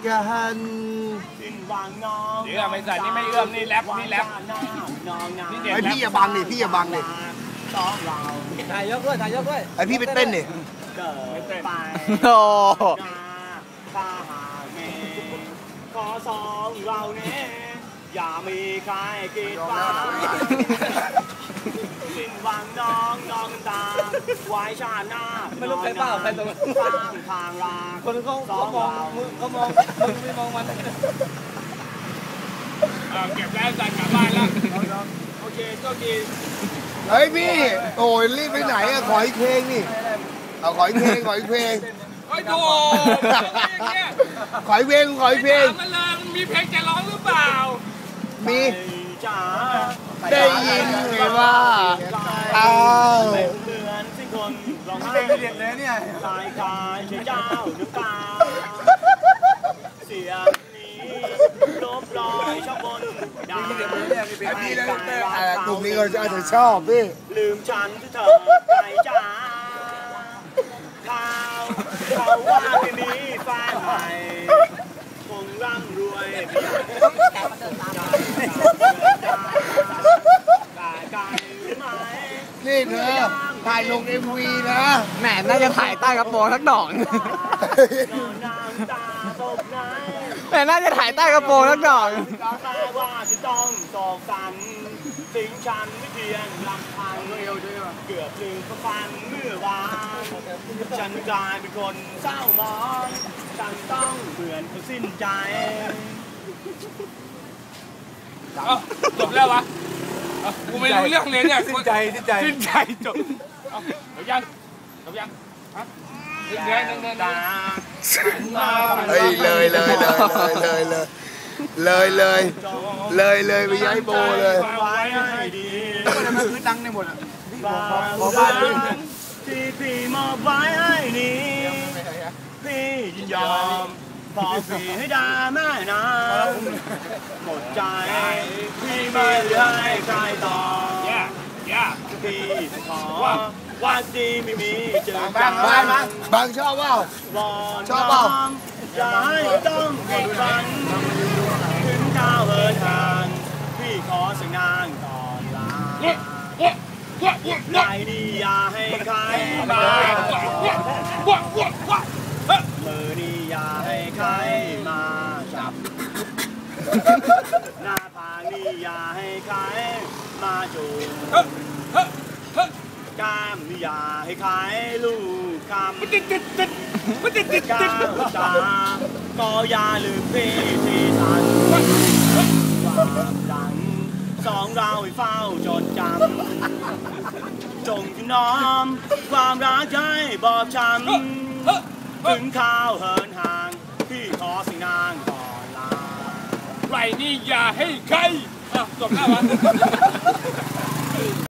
กันเดี๋ยวไม่ใส่นี่ไม่เอื้อมนี่แรปนี่ไอพี่อย่าบังดิพี่อย่าบังดิถ่ายยกด้วยถ่ายยกด้วยไอพี่ไปเต้นดิไม่เต้นโอ้ขอสองเราเนี่ยอย่ามีใครกีดฟ้าสิ้นหวังน้องตาไว้ชาหน้าไม่รู้ใครเปล่าใครตรงนั้นทางลาคนเขามองมึงไม่มองมันเก็บแล้วจัดกลับบ้านแล้วโอเคโชคดีเฮ้ยพี่โอ้ยรีบไปไหนอะขออีกเพลงนี่เอาขออีกเพลงโอ้ยโถขออีกเพลงมันเลยมันมีเพลงจะร้องหรือเปล่ามีได้ยินไหมว่าอ้าวเหมือนสิ่งคนร้องไห้เด็ดเลยเนี่ยตายกายเชื่อเจ้าน้ำตาเสียงนี้ลบรอยช่องบนดาวพี่แล้วกลุ่มนี้ก็อาจจะชอบพี่ลืมฉันที่เธอใจจ้าเขาว่าที่นี้แฟนใหม่คงร่ำรวยนี่เธอถ่ายลง MV นะแหมน่าจะถ่ายใต้กระโปรงสักดอกแหมน่าจะถ่ายใต้กระโปรงสักดอกว่าจะต้องตอกสันสิ่งฉันไม่เพียงลำพังเกือบลืมฟังเมื่อวานฉันกลายเป็นคนเศร้าหมองฉันต้องเหมือนเขาสิ้นใจจบแล้ววะกูไม่รู้เรื่องเลยเนี่ยสิ้นใจจบจบยังฮะเดี๋ยวเฮ้ยเลยไปย้ายโบเลยมันคือดังในหมดอ่ะที่พี่มอบไว้ให้นี้พี่ยินยอมพอพี่ให้ได้แม่นะหมดใจพี่ไม่ได้ใครต่อพี่ขอวันดีไม่มีเจอกันบางชอบเปล่าอย่าให้ต้องผิดหวังถึงก้าวเหินห่างพี่ขอสักนานก่อนลาไม่ดีอย่าให้ใครมามือนี่อย่าให้ใครมาจับหน้าผากนี่อย่าให้ใครมาจูบกล้ามนี่อย่าให้ใครลูกคำก้าวตาก็อย่าลืมพี่ที่สันความดังสองเราให้เฝ้าจดจำจงถนอมความรักใจบอบช้ำถึงข้าวเหินห่างพี่ขอสิ่งนางก่อนลาไรนี่อย่าให้ใครจบแล้ววะ